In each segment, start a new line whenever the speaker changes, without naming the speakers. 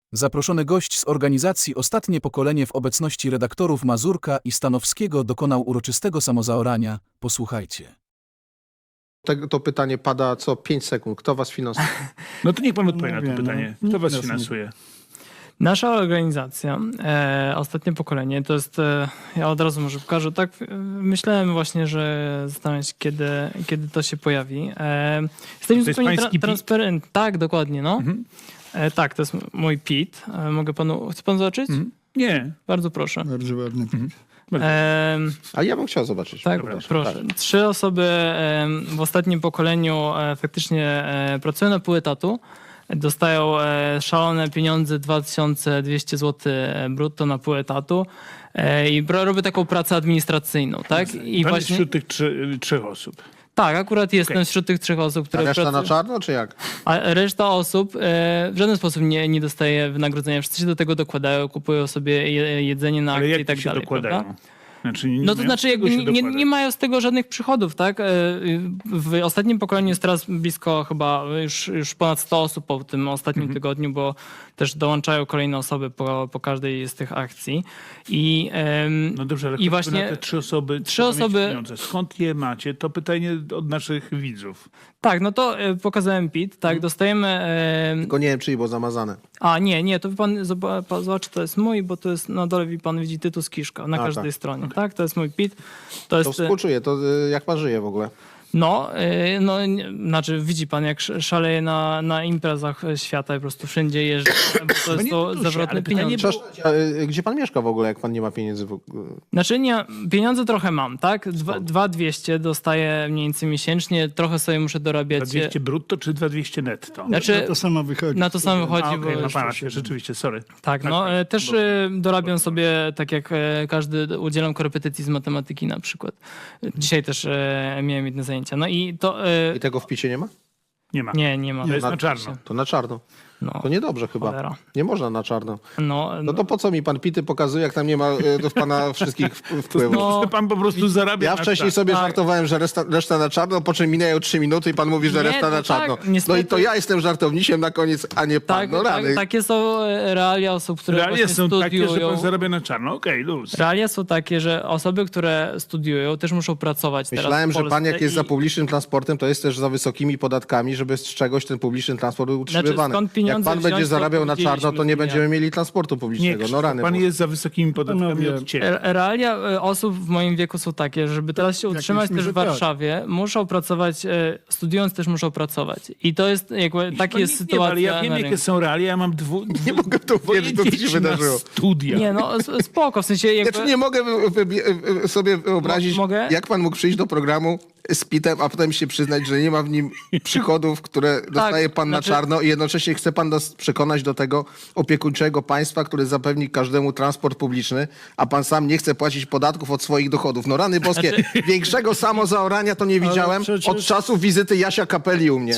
Zaproszony gość z organizacji Ostatnie Pokolenie w obecności redaktorów Mazurka i Stanowskiego dokonał uroczystego samozaorania. Posłuchajcie.
To pytanie pada co 5 sekund. Kto was finansuje?
No to niech pan odpowie na to
wiem,
pytanie.
no,
Kto was
nikt nas nie-
finansuje?
Nasza organizacja, Ostatnie Pokolenie, to jest, ja od razu może pokażę, tak myślałem właśnie, że zastanawiam się, kiedy to się pojawi. Jesteśmy
To jest
zupełnie
pański PIT?
transparentni. Tak, dokładnie, no. Tak, to jest mój PIT. Mogę panu, chce pan zobaczyć?
Nie.
Bardzo proszę.
Mhm.
E,
Bardzo ładny.
A ja bym chciał zobaczyć.
Tak,
Przepraszam.
proszę.
Tak.
3 osoby w ostatnim pokoleniu faktycznie pracują na pół etatu. Dostają szalone pieniądze, 2200 zł brutto na pół etatu i robię taką pracę administracyjną, tak? I
Pan
właśnie,
jest wśród tych trzech osób.
tak, akurat jestem
Okej.
wśród tych 3 osób,
A
które
reszta na
pracują.
czarno, czy jak?
A reszta osób w żaden sposób nie dostaje wynagrodzenia. Wszyscy się do tego dokładają, kupują sobie jedzenie na
Ale
akcje
jak
i tak
się
dalej.
dokładają?
Prawda?
Znaczy,
No to znaczy jakby nie mają z tego żadnych przychodów, tak? W ostatnim pokoleniu jest teraz blisko chyba już ponad 100 osób po tym ostatnim tygodniu, bo też dołączają kolejne osoby po każdej z tych akcji. I,
No dobrze, ale
i właśnie
na te 3 osoby,
trzy
trzeba mieć
osoby-
pieniądze. Skąd je macie? To pytanie od naszych widzów.
tak, no to pokazałem PIT, tak, dostajemy...
Tylko nie wiem, czy było zamazane.
A nie, to pan zobaczy, to jest mój, bo to jest na dole pan widzi tytuł z kiszka na każdej
tak.
stronie, tak? To jest mój PIT. To
To
jest...
współczuję. To jak pan żyje w ogóle?
Znaczy widzi pan, jak szaleje na imprezach świata i po prostu wszędzie jeżdżę, bo to jest
nie
to
duże,
zawrotne
ale pytanie
pieniądze.
Przepraszam, a, gdzie pan mieszka w ogóle, jak pan nie ma pieniędzy?
Znaczy nie, pieniądze trochę mam, tak? 2200 dostaję mniej więcej miesięcznie, trochę sobie muszę dorabiać.
2200 brutto czy 2200 netto?
Znaczy,
Na to samo wychodzi.
na to samo wychodzi,
A, okej,
bo
ma pan rację, rzeczywiście, sorry.
tak, no też dorabiam sobie, tak jak każdy, udzielam korepetycji z matematyki na przykład. Dzisiaj też miałem jedne zajęcia. No i to...
I tego w picie nie ma?
Nie ma.
Nie ma.
To jest na czarno.
To na czarno.
No,
To niedobrze chyba.
cholera.
Nie można na czarno.
No,
To po co mi pan pity pokazuje, jak tam nie ma do pana wszystkich wpływów?
No,
Pan po prostu zarabia
Ja
na
wcześniej
czas.
sobie
tak.
żartowałem, że reszta na czarno, po czym minęły 3 minuty i pan mówi, że
Nie,
reszta
to
na czarno.
tak,
No
niestety.
i to ja jestem żartownisiem na koniec, a nie pan.
tak,
No rany.
takie są realia osób, które
Realia
właśnie
są takie, że
studiują.
pan zarabia na czarno. Okej, luz.
Realia są takie, że osoby, które studiują, też muszą pracować teraz
Myślałem,
w
że pan
Polsce
jak jest
i-
za publicznym transportem, to jest też za wysokimi podatkami, żeby z czegoś ten publiczny transport był utrzymywany.
skąd
Jak
pieniądze
pan będzie
wziąć, to
zarabiał na czarno, to nie
powiedzieliśmy,
będziemy mieli transportu
Nie,
publicznego. No rany.
pan
boskie.
jest za wysokimi podatkami
Panowie,
od ciebie.
Realia osób w moim wieku są takie, żeby teraz się
w
utrzymać
jakimś
też w
mierze tak.
Warszawie, muszą pracować, studiując też muszą pracować. I to jest jakby, taka
Pan
jest
nic nie wie,
sytuacja
ale ja wiem,
na
jakie
rynku.
są realia. Ja mam
Nie mogę w to
dwoje
uwierzyć, to co się
dzieci
wydarzyło.
na studia.
Nie, no spoko, w sensie jakby...
Znaczy nie mogę sobie wyobrazić,
Mogę?
jak pan mógł przyjść do programu z pitem, a potem się przyznać, że nie ma w nim przychodów, które dostaje pan
znaczy-
na czarno i jednocześnie chce pan nas przekonać do tego opiekuńczego państwa, które zapewni każdemu transport publiczny, a pan sam nie chce płacić podatków od swoich dochodów. No rany boskie, większego samozaorania to nie widziałem
przecież-
od czasu wizyty Jasia Kapeli u mnie.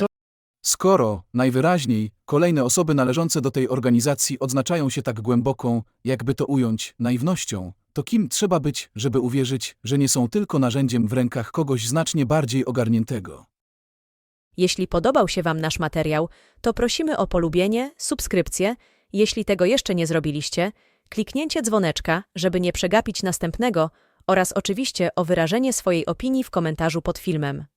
Skoro, najwyraźniej, kolejne osoby należące do tej organizacji odznaczają się tak głęboką, jakby to ująć, naiwnością, to kim trzeba być, żeby uwierzyć, że nie są tylko narzędziem w rękach kogoś znacznie bardziej ogarniętego?
Jeśli podobał się Wam nasz materiał, to prosimy o polubienie, subskrypcję, jeśli tego jeszcze nie zrobiliście, kliknięcie dzwoneczka, żeby nie przegapić następnego oraz oczywiście o wyrażenie swojej opinii w komentarzu pod filmem.